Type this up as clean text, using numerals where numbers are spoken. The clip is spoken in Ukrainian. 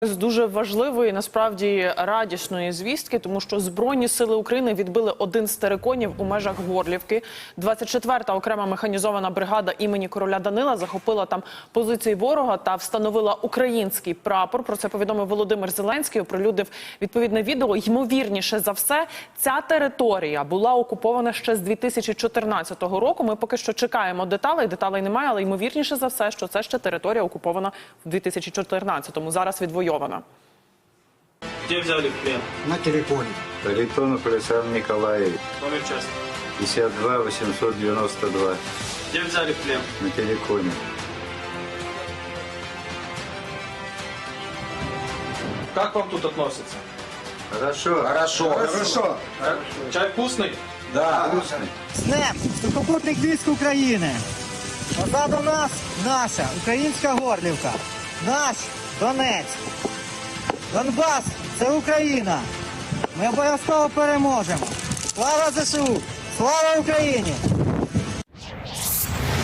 З дуже важливої, насправді, радісної звістки, тому що Збройні сили України відбили один з териконів у межах Горлівки. 24-та окрема механізована бригада імені короля Данила захопила там позиції ворога та встановила український прапор. Про це повідомив Володимир Зеленський, оприлюднив відповідне відео. Ймовірніше за все, ця територія була окупована ще з 2014 року. Ми поки що чекаємо деталей немає, але ймовірніше за все, що це ще територія окупована в 2014-му. Зараз відвоювана. Где взяли в плен? На телефоне. Харитонов Александр Николаевич, Номер части. 52 892, Где взяли в плен? на телефоне. Как вам тут относятся? Хорошо. Хорошо. Чай вкусный? Да. Вкусный. З днем сухопутних військ України. Позаду нас наша українська Горлівка. Наш Донець. Донбас – це Україна. Ми обов'язково переможемо. Слава ЗСУ! Слава Україні!